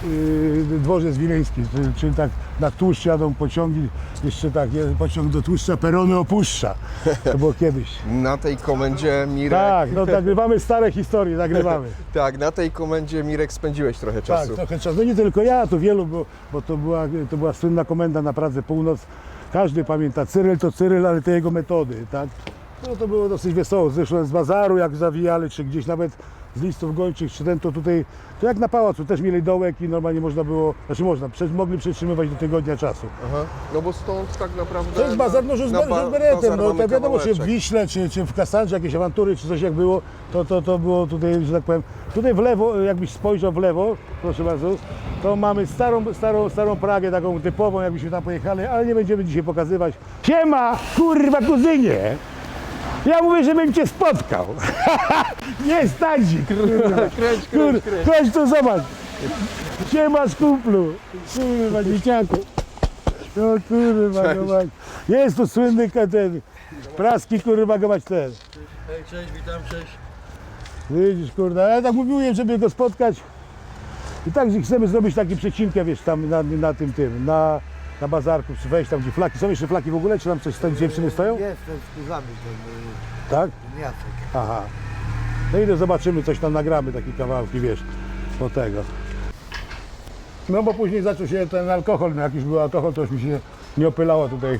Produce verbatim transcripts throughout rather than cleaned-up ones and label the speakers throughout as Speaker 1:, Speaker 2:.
Speaker 1: yy, dworzec wileński, czyli, czyli tak na tłuszcz jadą pociągi, jeszcze tak, je- pociąg do tłuszcza, perony opuszcza. To było kiedyś.
Speaker 2: Na tej komendzie Mirek...
Speaker 1: Tak, no nagrywamy stare historie, nagrywamy.
Speaker 2: Tak, na tej komendzie Mirek spędziłeś trochę
Speaker 1: Tak,
Speaker 2: czasu.
Speaker 1: trochę czasu. No nie tylko ja, to wielu, bo, bo to, była, to była słynna komenda na Pradze Północ. Każdy pamięta, Cyryl to Cyryl, ale te jego metody, tak? No to było dosyć wesoło. Zresztą z bazaru, jak zawijali, czy gdzieś nawet z listów gończych, czy ten, to tutaj, to jak na pałacu, też mieli dołek i normalnie można było, znaczy można, prze, mogli przetrzymywać do tygodnia czasu.
Speaker 2: Aha. No bo stąd tak naprawdę...
Speaker 1: To jest bazar, no, że z,
Speaker 2: na ba-
Speaker 1: że z beretem,
Speaker 2: bazar
Speaker 1: no
Speaker 2: mamy
Speaker 1: to wiadomo, czy w
Speaker 2: kawałeczek.
Speaker 1: Wiśle, czy, czy w Kasandrze jakieś awantury, czy coś jak było, to, to, to było tutaj, że tak powiem, tutaj w lewo, jakbyś spojrzał w lewo, proszę bardzo, to mamy starą, starą, starą Pragę, taką typową, jakbyśmy tam pojechali, ale nie będziemy dzisiaj pokazywać. Siema, kurwa kuzynie! Ja mówię, żebym cię spotkał. Nie stadzi, kurwa.
Speaker 2: Kręć, kręć,
Speaker 1: Kur,
Speaker 2: kręć.
Speaker 1: chodź tu zobacz. Siema kumplu. Kurwa, dzieciaku. No kurwa,
Speaker 2: Cześć.
Speaker 1: gobać. Jest tu słynny ka- ten praski, kurwa, gobać ten.
Speaker 3: Hej, cześć, witam, cześć.
Speaker 1: Widzisz, kurwa, ja tak mówiłem, żeby go spotkać. I tak, że chcemy zrobić taki przecinkę, wiesz, tam na, na tym, tym, na, na bazarku, czy wejść tam, gdzie flaki. Są jeszcze flaki w ogóle, czy tam coś, tam dziewczyny stoją?
Speaker 3: Jestem z kurzami,
Speaker 1: Tak?
Speaker 3: ten Jacek.
Speaker 1: Aha. No i to zobaczymy, coś tam nagramy, takie kawałki, wiesz, do tego. No bo później zaczął się ten alkohol, no jak już był alkohol, to już mi się nie opylało tutaj,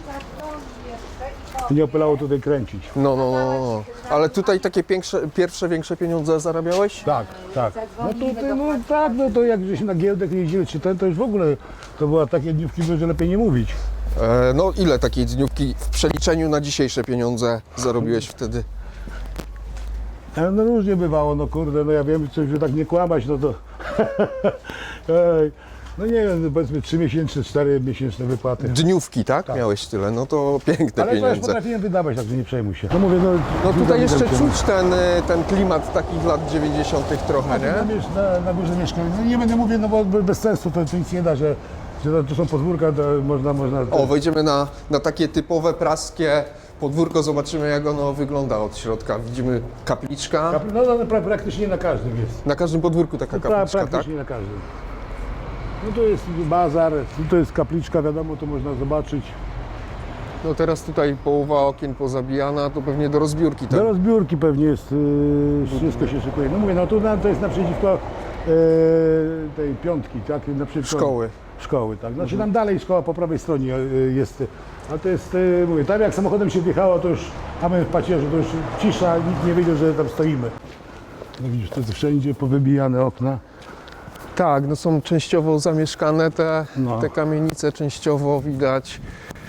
Speaker 1: nie opylało tutaj kręcić.
Speaker 2: No, no, no, no. Ale tutaj takie pierwsze, pierwsze większe pieniądze zarabiałeś?
Speaker 1: Tak, tak. No tutaj, no tak, no to jak żeśmy na giełdę jeździli, czy ten, to już w ogóle, to była takie dniówki, że lepiej nie mówić.
Speaker 2: E, no ile takiej dniówki w przeliczeniu na dzisiejsze pieniądze zarobiłeś wtedy?
Speaker 1: Ale no różnie bywało, no kurde, no ja wiem, coś, że tak nie kłamać, no to... Ej, no nie wiem, powiedzmy trzy miesięczne, cztery miesięczne wypłaty.
Speaker 2: Dniówki, tak? Miałeś tyle, no to piękne
Speaker 1: Ale to już
Speaker 2: pieniądze.
Speaker 1: potrafiłem wydawać, także nie przejmuj się. No mówię, no...
Speaker 2: No tutaj jeszcze
Speaker 1: widzę,
Speaker 2: czuć ten, e, ten klimat takich lat dziewięćdziesiątych trochę,
Speaker 1: Na,
Speaker 2: nie?
Speaker 1: na, na górze mieszkam. No nie będę mówił, no bo bez sensu to, to nic nie da, że, że to, to są podwórka, to można... można
Speaker 2: O, wejdziemy na, na takie typowe praskie podwórko, zobaczymy jak ono wygląda od środka. Widzimy kapliczka.
Speaker 1: Kap- No, no pra, praktycznie na każdym jest.
Speaker 2: Na każdym podwórku taka
Speaker 1: Pra,
Speaker 2: kapliczka, tak?
Speaker 1: praktycznie na każdym. No to jest bazar, to jest kapliczka, wiadomo, to można zobaczyć.
Speaker 2: No teraz tutaj połowa okien pozabijana, to pewnie do rozbiórki, tak?
Speaker 1: Do rozbiórki pewnie jest, yy, wszystko się szykuje. No mówię, no tu na, to jest naprzeciwko yy, tej piątki, tak? Naprzeciwko
Speaker 2: Szkoły.
Speaker 1: Szkoły, tak. Znaczy tam dalej szkoła po prawej stronie yy, jest. A to jest, yy, mówię, tam jak samochodem się wjechało, to już, a my w pacierzu, to już cisza, nikt nie wiedział, że tam stoimy. No widzisz, to jest wszędzie powybijane okna.
Speaker 2: Tak, no są częściowo zamieszkane te,
Speaker 1: No.
Speaker 2: te kamienice, częściowo widać,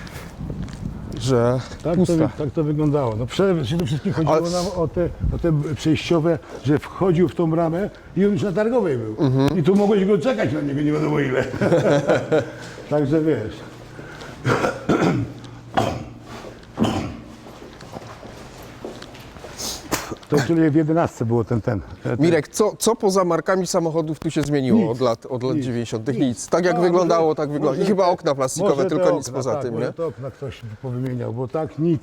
Speaker 2: że
Speaker 1: Tak to,
Speaker 2: pusta.
Speaker 1: wy- tak to wyglądało. No przede przede wszystkim chodziło
Speaker 2: Ale-
Speaker 1: nam o te, o te przejściowe, że wchodził w tą bramę i on już na Targowej był.
Speaker 2: Mhm.
Speaker 1: I tu mogłeś go czekać na niego nie wiadomo ile. Także wiesz. To czyli w jedenastce było ten, ten. ten.
Speaker 2: Mirek, co, co poza markami samochodów tu się zmieniło
Speaker 1: Nic.
Speaker 2: od lat, od lat
Speaker 1: Nic.
Speaker 2: dziewięćdziesiątych?
Speaker 1: Nic.
Speaker 2: Nic. Tak jak
Speaker 1: No,
Speaker 2: wyglądało,
Speaker 1: może-
Speaker 2: tak wygląda. I
Speaker 1: może
Speaker 2: chyba
Speaker 1: te-
Speaker 2: okna plastikowe,
Speaker 1: Może te
Speaker 2: tylko nic
Speaker 1: okna,
Speaker 2: poza
Speaker 1: tak,
Speaker 2: tym,
Speaker 1: może
Speaker 2: nie?
Speaker 1: te okna ktoś powymieniał, bo tak nic.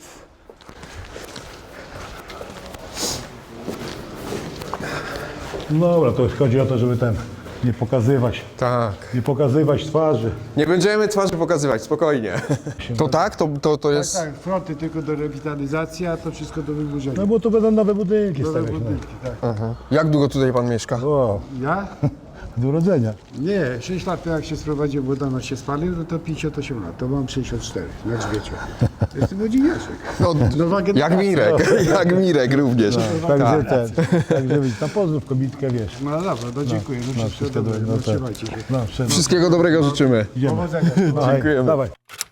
Speaker 1: No dobra, to już chodzi o to, żeby ten nie pokazywać,
Speaker 2: Tak.
Speaker 1: nie pokazywać twarzy.
Speaker 2: Nie będziemy twarzy pokazywać, spokojnie. To tak? To, to, to jest...
Speaker 3: Tak, fronty tylko do rewitalizacji, a to wszystko do wyburzenia.
Speaker 1: No bo tu będą nowe budynki
Speaker 3: Nowe
Speaker 1: stawiać.
Speaker 3: budynki, tak.
Speaker 2: Aha. Jak długo tutaj pan mieszka?
Speaker 1: No. O,
Speaker 3: Ja?
Speaker 1: do urodzenia.
Speaker 3: Nie, sześć lat jak się sprowadziłem, bo dano się spalił, no to pięćdziesiąt osiem lat, to mam sześćdziesiąt cztery, na grzbiecie. Jestem młodziniaczek.
Speaker 2: No,
Speaker 3: Nowa
Speaker 2: jak
Speaker 3: generacja.
Speaker 2: Mirek, jak Mirek również.
Speaker 1: Także ten, także widzisz, tam pozdrów kobitkę, wiesz.
Speaker 3: No dobra, no dziękuję, no,
Speaker 1: No,
Speaker 3: wszystko
Speaker 1: wszystko
Speaker 3: dobre,
Speaker 1: dobre,
Speaker 3: no
Speaker 1: no tak.
Speaker 3: trzymajcie się.
Speaker 1: No, wszędzie.
Speaker 2: Wszystkiego dobrego życzymy.
Speaker 1: Idziemy.
Speaker 3: Powodzenia.
Speaker 1: No, hej,
Speaker 2: Dziękujemy.
Speaker 1: Dawaj.